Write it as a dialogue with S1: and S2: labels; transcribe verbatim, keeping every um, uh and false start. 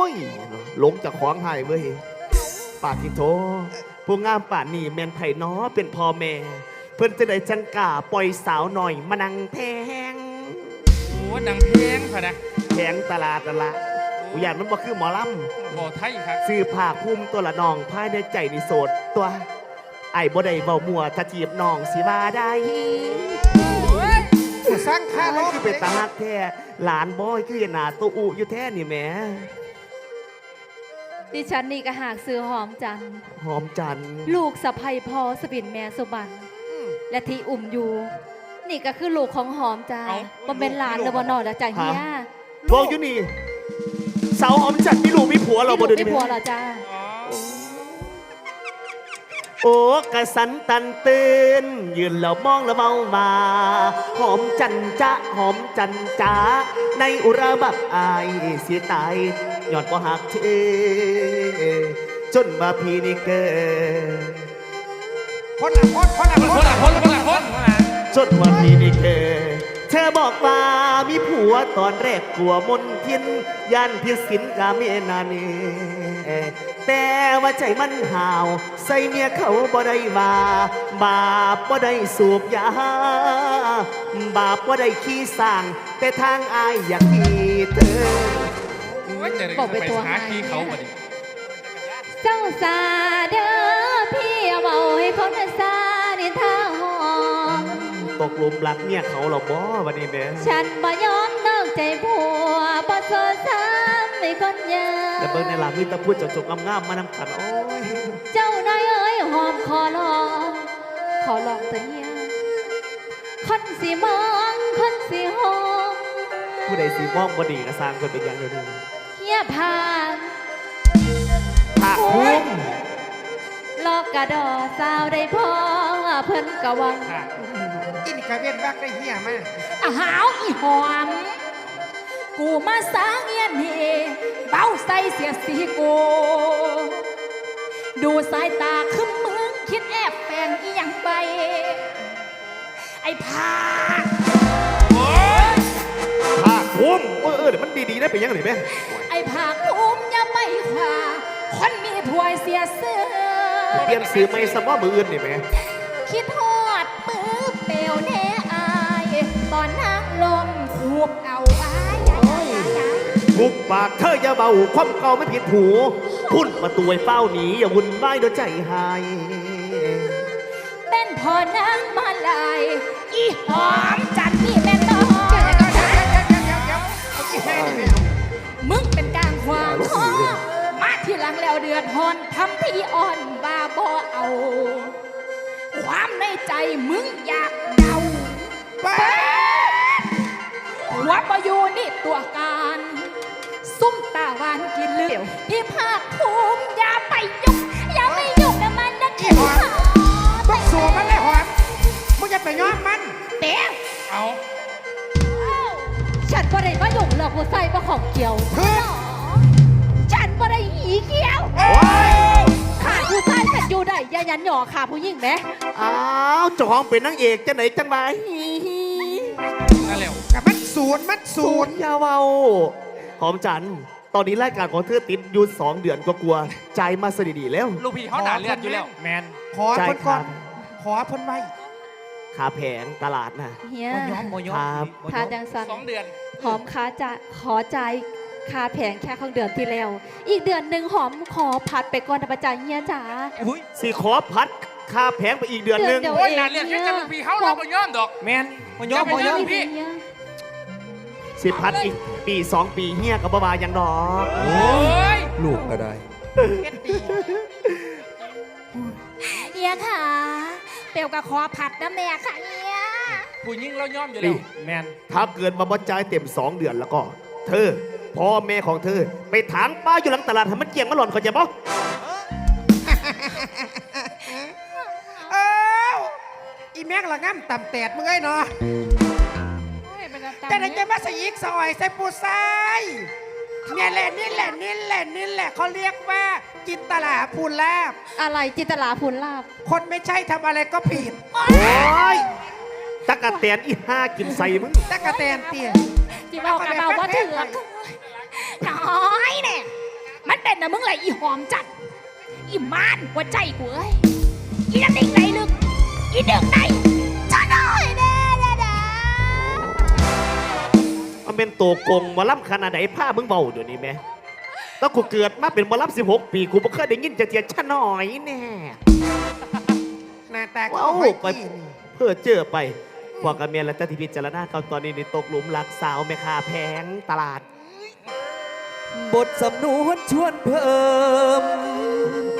S1: ยหลงจากของหายเว้ยปาทิโทผู้งามป่านนี่แมนไผ่น้อเป็นพ่อแม่ เพิ่นจะได้จังกาปล่อยสาวหน่อยมานั่งแพง
S2: โอ้ดังเพลงพะนะ
S1: แพงตลาดตลาดอุยานมันบ่คือหมอล
S2: ำบ่ไทยครับ
S1: ซื้อผ้าคุ้มตัวละน้องภายในใจนิโสดตัวไอ้บ่ได้เบามัวถ้าจีบน้องสิว่าได้
S3: สร้างค่าล้อ
S1: คือเป็นตาฮักแท้หลานบอยคือหน้าตัวอุอยู่แท้นี่แหม
S4: ดิฉันนี่ก็หากซื้อหอมจัน
S1: หอมจัน
S4: ลูกสะใภ้พ่อสบินแม่สุบันและที่อุ่มอยู่นี่ก็คือลูกของหอมจ้าบ่เป็นหลานหรือบ่นอแล้วจ้าเฮีย
S1: บอกอยู่นี่สาวหอมจันมีลูกมีผัวเราบ่เดี๋ยวนี้
S4: มีผัวเหรอจ้า
S1: โอ้กะสันตันเตือนยืนแล้วมองแล้วเมามาหอมจันจ้าหอมจันจ้าในอุระบับอายเสียตายยอดบ่หักเธอจนมาพี่นี่เกิด
S3: คนละคนคนละ
S2: คนละคนคนละคน
S1: จนมาพี่นี่เกิดเธอบอกว่ามีผัวตอนแรกกลัวมนทินยันพิสินกาเมนานีแต่ว่าใจมันห่าวใส่เมียเขาบ่ได้ว่าบาปบ่ได้สูบยาบาปบ่ได้ขี้สร้างแต่ทางอายอยากที่เธอ
S2: บอกไปตัวหาขี้เขาบ่ดิ
S4: เจ้าสาเด้อพี่เอาเบาให้คนซานิทาหอม
S1: ตกหลุมรักเนี่ยเขาหรอบ่วันนี้แม่
S4: ฉันบ่ยอมนอกใจผัวบ่โซซ้ำให้คนยา
S1: แล้วเบิ่งในหลังมีตะพูดจกๆงามๆมานำกันโอ้ย
S4: เจ้าน้อยเอ้ยหอมขอลองขอลองแต่เฮียคนสิมองคนสิหอม
S1: ผู้ใดสิมองบ่ดีก็สร้างคนเป็นอย่างเดียวนี้
S4: เฮียผ่าน
S1: ผักคุ้ม
S4: ลอกกระดอสาวได้พอเพิ่นกะวัง
S3: อินกาเวียนวักได้เหี้ยมาก
S4: อ้าวอีหอมกูมาสร้างเงียนเฮเบ้าใส่เสียสีกูดูสายตาคึมมึงคิดแอบแฝงอีหยังไปไอ้ผา
S1: ผักคุ้มเออเดี๋ยวมันดีๆนะเป็นยังไงแม่
S4: ไอ้ผาคุ้มอย่าไปขวาคนมีถวยเสียเสื้อ
S1: เปลี่ยนซื้อไม่สมอมืออื่นนี่แม่
S4: คิดทอดมือเปลวแน่อายตอนนั่งลมคูบเอาอาย
S1: ทุกปากเธออย่าเบาความเก่าไม่ผิดหูพุ่นประตูไอ้เฝ้าหนีอย่าวุ่นวายโดยใจหาย
S4: เป็นพอนางมาลายอีหอมจันนี่แม่น้องมึงเป็นกลางขวางคอมาที่หลังแล้วเดือดฮอนทำที่อ่อนบาบอเอาความในใจมึงอยากเดาหัวปอยู่นี่ตัวการซุ่มตาหวานกินเลือดพี่ภาคภูมิอย่าไปยุ่งอย่าไปยุ่งกับมันนะขี้หอม
S3: บักสัวมันเลยหอมมึงจะไปย้อมมัน
S4: เต๋อ
S2: เอา
S4: ฉันบ่ได้มายุ่งหรอกผู้ใส่บ่ของเกี่ยวฉันบ่ได้หีเกี่ยวขาดผู้ชายฉันอยู่ได้อย่ายันหยอขาผู้หญิงไหม
S1: อ้าวจองเป็นนางเอกจะไหนจังไร
S2: นั่นแหละ
S3: กับมันศูนย์มันศูนย์
S1: ยาเบาหอมจันตอนนี้รายการของเธอติดอยู่สองเดือนก็กลัวใจมาสดีๆแล้ว
S2: ลูกพี่เขาหนาเลือดอยู่แล้วแมน
S3: ขอพ้นก่อนขอพ้นไว้
S1: ขาแผงตลาดนะ
S4: เฮีย
S3: ย้อมโมย้อม
S4: ทาจังสัน
S2: สองเดือน
S4: หอมขาจะขอใจคาแผงแค่ของเดือนที่แล้วอีกเดือนหนึ่งหอมขอพัดไปก่อนนะประจันเฮียจ๋า
S1: สิขอพัดคาแผงไปอีกเดือนหนึ่ง
S2: โอ้ยนานเรียกแค่จะลูกพี่เขาเราโมย้อมดอก
S3: แมนโมย้อมโมย้อมพี่
S1: สิพัดอีกปีสองปีเฮียกับบ้ายังดอก
S2: โอ้ย
S3: ลูกก็ได้
S4: เฮียค่ะเปียวกับคอผัดนะแม่ค่ะเฮีย
S2: ผู้ยิ่งเราย้อมอยู่แล้วแมน
S1: ถ้าเกิดมาบรรจัยเต็มสองเดือนแล้วก็เธอพ่อแม่ของเธอไปถางป้าอยู่หลังตลาดให้มันเกี่ยงมาหล่อนเขาจะบอก
S3: เอ้าอีแม็กละงั้มต่ำแตดมึงไงเนาะแต่ในใจมาสยิกสอยใส่ปูไซเนี่ยแหละนี่แหละนี่แหละนี่แหละเขาเรียกว่าจินตลาภูลาบ
S4: อะไรจินตลาภูลาบ
S3: คนไม่ใช่ทำอะไรก็ผิด
S1: โอ้ยตะกะแตนอีห้ากินใส่มึง
S3: ตะกะแตนเตี้ย
S4: จีบอกกับเราว่าเถื่อนน้อยเนี่ยมึงไรอีหอมจัดอีมานหัวใจกูเอ้ยอีน้ำนิ่งไหลลึกอีดึกไหนจะหน่อยแน่แน่แน่
S1: มันเป็นตัวโกงหมอลำขนาดไหนผ้ามึงเบาเดี๋ยวนี้แม่แล้วกูเกิดมาเป็นหมอลำสิบหกปีกูไม่เคยได้ยินจะเทียนชะหน่อยแน่
S3: หน้าตาก็
S1: ว้าว
S3: ไม่
S1: ไป
S3: กิน
S1: เพื่อเจอไปพวกกับเมียและเจ้าที่พิจารณาเขาตอนนี้ในตกหลุมรักสาวแม่ค้าแพงตลาด
S5: บทสำนวนชวนเพิ่ม